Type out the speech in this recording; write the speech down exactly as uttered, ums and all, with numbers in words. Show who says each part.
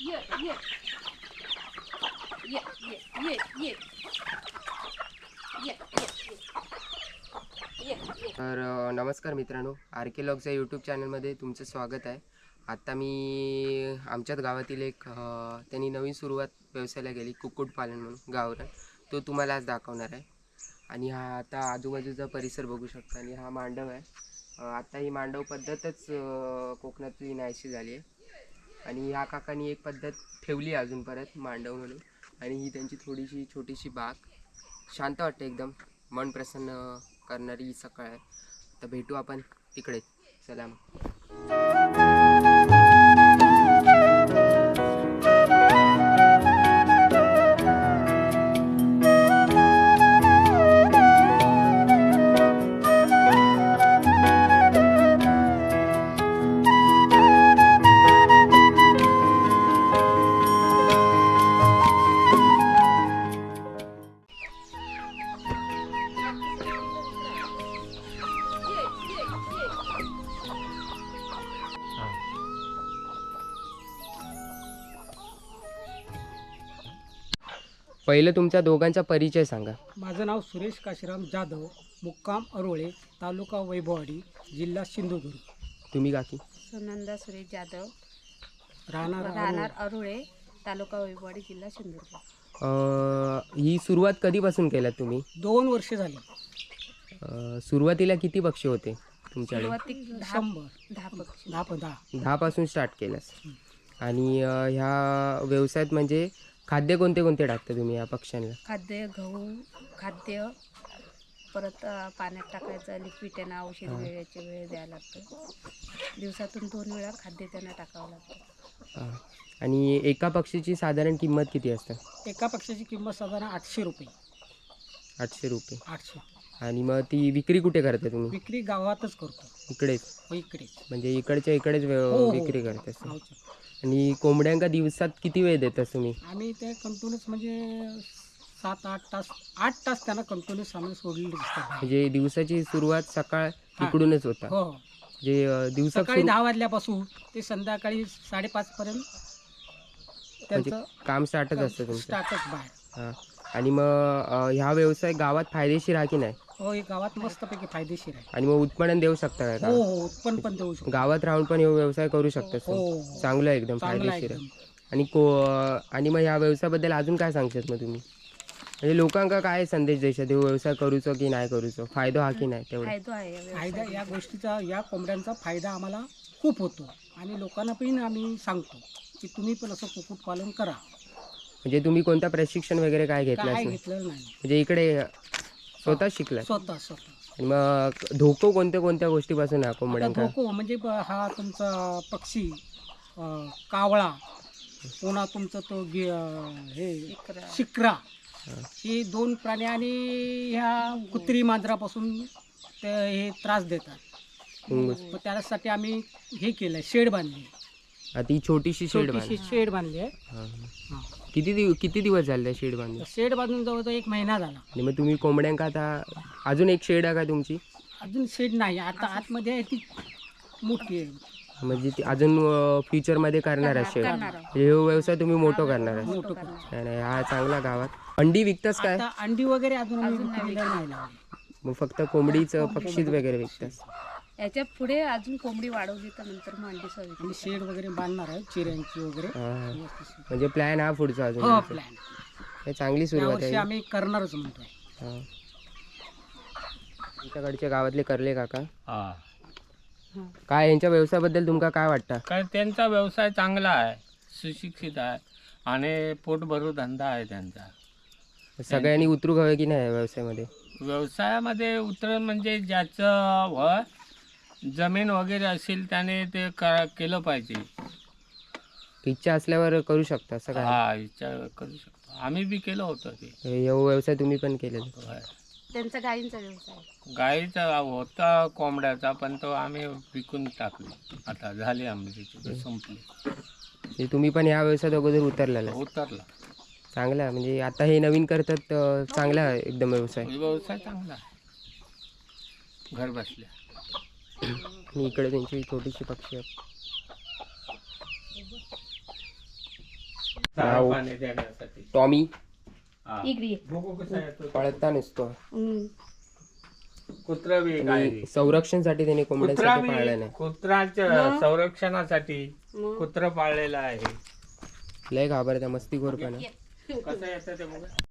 Speaker 1: ये ये ये ये ये ये ये ये
Speaker 2: तर अ, नमस्कार मित्रांनो, आर्किलॉगच्या यूट्यूब चॅनलमध्ये तुमचं स्वागत आहे. आत्ता मी आमच्याच गावातील एक अ, त्यांनी नवीन सुरुवात व्यवसायाला केली, कुक्कुटपालन म्हणून गावरान. तो तुम्हाला आज दाखवणार आहे. आणि हा आता आजूबाजूचा परिसर बघू शकता. आणि हा मांडव आहे. अ, आता ही मांडव पद्धतच अ, कोकणातली नाहीशी झाली आहे. आणि ह्या काकांनी एक पद्धत ठेवली अजून परत मांडव म्हणून. आणि ही त्यांची थोडीशी छोटीशी बाग, शांत वाटते एकदम, मन प्रसन्न करणारी ही सकाळ आहे. तर भेटू आपण तिकडे. चला मग. पहिलं तुमच्या दोघांचा परिचय सांगा.
Speaker 3: माझं नाव सुरेश काशीराम जाधव, मुक्काम अरोळे, तालुका वैभववाडी, जिल्हा सिंधुदुर्ग.
Speaker 2: तुम्ही काकी?
Speaker 1: सुनंदा सुरेश जाधव,
Speaker 3: राहणार
Speaker 1: राहणार अरुळे, तालुका वैभववाडी, जिल्हा सिंधुदुर्ग.
Speaker 2: अ, ही सुरुवात कधीपासून केलात तुम्ही?
Speaker 3: दोन वर्ष झाली.
Speaker 2: अ, सुरुवातीला किती पक्षी होते तुमच्याकडे?
Speaker 1: सुरुवाती दहा
Speaker 3: शंभर
Speaker 1: दहा पक्षी.
Speaker 3: दहा पंधरा
Speaker 2: दहापासून स्टार्ट केलंस. आणि अ, ह्या व्यवसायात म्हणजे खाद्य कोणते कोणते टाकता तुम्ही या पक्ष्यांना?
Speaker 1: खाद्य, गहू खाद्य, परत अ, पाण्यात टाकायचं लिक्विड, त्यांना औषध वेळेची वेळ द्यायला लागतं. दिवसातून दोन वेळा खाद्य त्यांना टाकावं लागतं.
Speaker 2: अ, आणि एका पक्षीची साधारण किंमत किती असते?
Speaker 3: एका पक्षाची किंमत साधारण आठशे रुपये.
Speaker 2: आठशे रुपये.
Speaker 3: आठशे.
Speaker 2: आणि मग ती विक्री कुठे करता तुम्ही?
Speaker 3: विक्री गावातच करतो.
Speaker 2: इकडेच?
Speaker 3: हो, इकडे.
Speaker 2: म्हणजे इकडच्या इकडेच व्यव-
Speaker 3: हो, हो.
Speaker 2: विक्री करता?
Speaker 3: गावचं.
Speaker 2: आणि कोंबड्यांका दिवसात किती वेळ देता तुम्ही?
Speaker 3: आम्ही ते कंटिन्यूस म्हणजे सात आठ तास आठ तास त्यांना कंटिन्यूस आम्ही सोडलेले दिसतात.
Speaker 2: म्हणजे दिवसाची सुरुवात सकाळ
Speaker 3: हा.
Speaker 2: इकडूनच होता?
Speaker 3: हो.
Speaker 2: म्हणजे अ, दिवसात
Speaker 3: सकाळी
Speaker 2: सुरु-
Speaker 3: दहा वाजल्यापासून ते संध्याकाळी साडेपाच पर्यंत
Speaker 2: म्हणजे
Speaker 3: त्यांचं
Speaker 2: काम स्टार्टच असतं तुमचं?
Speaker 3: स्टार्टच बाहेर.
Speaker 2: हां. आणि मग अ, ह्या व्यवसाय गावात फायदेशीर आहे की नाही?
Speaker 3: हो, हे गावात मस्तपैकी फायदेशीर आहे.
Speaker 2: आणि मग उत्पन्न देऊ शकता काय
Speaker 3: हो
Speaker 2: का?
Speaker 3: हो, उत्पन्न पण देऊ शकतो.
Speaker 2: गावात राहून पण हे व्यवसाय करू शकतात
Speaker 3: हो
Speaker 2: तुम्ही?
Speaker 3: हो.
Speaker 2: चांगलं आहे, एकदम
Speaker 3: चांगला आहे
Speaker 2: फायदेशीर आहे.
Speaker 3: एकदम.
Speaker 2: आणि को आणि मग ह्या व्यवसायाबद्दल अजून काय सांगतात मग तुम्ही? म्हणजे लोकांका काय संदेश द्यायचा, हे व्यवसाय करूचो की नाही करूचो, फायदा हा की नाही तेवढं?
Speaker 1: फायदा आहे या
Speaker 3: फायदा
Speaker 1: व्यवसायात.
Speaker 3: या गोष्टीचा, या कोंबड्यांचा फायदा आम्हाला खूप होतो. आणि लोकांना पण आम्ही सांगतो की तुम्ही पण असं कुक्कुटपालन करा.
Speaker 2: म्हणजे तुम्ही कोणतं प्रशिक्षण वगैरे काय घेतलं
Speaker 3: काय
Speaker 2: असेल?
Speaker 3: घेतलेलं नाही.
Speaker 2: म्हणजे इकडे स्वतः शिकलाय?
Speaker 3: स्वतः स्वतः.
Speaker 2: आणि मग धोको कोणत्या कोणत्या गोष्टीपासून आहे
Speaker 3: आता
Speaker 2: कोंबड्यांका?
Speaker 3: धोको म्हणजे ब- हा तुमचा पक्षी, अं, कावळा, पुन्हा तुमचं तो गे- अं, हे
Speaker 1: शिकरा.
Speaker 3: शिक्रा, हे दोन प्राणी आणि ह्या कुत्री मांजरापासून ते हे त्रास देतात.
Speaker 2: मुंगूस.
Speaker 3: मग त्यासाठी आम्ही हे केलंय, शेड बांधली.
Speaker 2: आता ही छोटीशी शेड
Speaker 3: छोटीशी
Speaker 2: बांध.
Speaker 3: शेड बांधली आहे.
Speaker 2: हां.
Speaker 3: हां.
Speaker 2: किती दिव किती दिवस झाले त्या शेड बांधून?
Speaker 3: शेड बांधून जवळजवळ एक महिना झाला.
Speaker 2: आणि मग तुम्ही कोंबड्यांका आता अजून एक शेड आहे का तुमची?
Speaker 3: अजून शेड नाही, आता आतमध्ये आहे ती मोठी आहे.
Speaker 2: म्हणजे ती अजून फ्युचरमध्ये करणार आहे शेड?
Speaker 1: करणार आहोत.
Speaker 2: म्हणजे हा व्यवसाय तुम्ही मोठं करणार आहे?
Speaker 3: मोठं
Speaker 1: करणार.
Speaker 2: नाही नाही, हा चांगला गावात. अंडी विकतास काय?
Speaker 3: आता अंडी वगैरे अजून आम्ही
Speaker 1: अजून नाही
Speaker 3: विक्रीला नाही लावली.
Speaker 2: मग फक्त कोंबडीचं पक्षीच वगैरे विकतास?
Speaker 1: याच्या पुढे अजून कोंबडी वाढवली तर नंतर मग अंडी सव्वीस.
Speaker 3: आम्ही शेड वगैरे बांधणार आहे, चिऱ्यांची वगैरे.
Speaker 2: हां. म्हणजे प्लॅन हा पुढचा अजून?
Speaker 3: हो, प्लॅन
Speaker 2: हे चांगली सुरुवात
Speaker 3: यावर्षी
Speaker 2: आहे.
Speaker 3: आम्ही करणारच म्हणतोय.
Speaker 2: हां. तुमच्याकडचे गावातले करले काका
Speaker 4: हा.
Speaker 2: काय यांच्या व्यवसायाबद्दल तुमका काय वाटतं?
Speaker 4: काय त्यांचा व्यवसाय चांगला आहे, सुशिक्षित आहे आणि पोटभरू धंदा आहे त्यांचा.
Speaker 2: सगळ्यांनी उतरू हवे की नाही या व्यवसायामध्ये?
Speaker 4: व्यवसायामध्ये उतर म्हणजे ज्याचं व जमीन वगैरे असेल त्याने ते क केलं पाहिजे.
Speaker 2: इच्छा असल्यावर करू शकता असं काय?
Speaker 4: हा, विचार करू शकतो. आम्ही बी केलं होतं ते.
Speaker 2: हे व्यवसाय तुम्ही पण केलेला?
Speaker 4: होय.
Speaker 1: त्यांचा गायींचा व्यवसाय.
Speaker 4: गाईचा होता कोंबड्याचा, पण तो आम्ही विकून टाकली. आता झाली आमची, संपली.
Speaker 2: म्हणजे तुम्ही पण या व्यवसायात अगोदर उतरलेला?
Speaker 4: उतरला.
Speaker 2: चांगला आहे. म्हणजे आता हे नवीन करतात, अं, चांगला आहे एकदम व्यवसाय.
Speaker 4: व्यवसाय चांगला आहे, घर बसल्या.
Speaker 2: आणि इकडे त्यांची छोटीशी पक्षी आहेत.
Speaker 4: चारा
Speaker 2: नाव?
Speaker 4: पाणी देण्यासाठी.
Speaker 2: टॉमी
Speaker 4: हा.
Speaker 1: इकडे ये.
Speaker 4: बघू कसा येतो.
Speaker 2: पळता नसतो
Speaker 1: हम्म.
Speaker 4: कुत्रा बी
Speaker 2: आणि
Speaker 4: काय
Speaker 2: संरक्षणसाठी त्याने
Speaker 4: कुत्रा
Speaker 2: कोंबड्यांसाठी पाळलं
Speaker 4: बी
Speaker 2: नाही.
Speaker 4: कुत्राच्या
Speaker 1: मग?
Speaker 4: संरक्षणासाठी
Speaker 1: मग
Speaker 4: कुत्र पाळलेलं आहे.
Speaker 2: लय घाबरत्या मस्तीखोरपणा.
Speaker 4: कसं येतं ते बघा.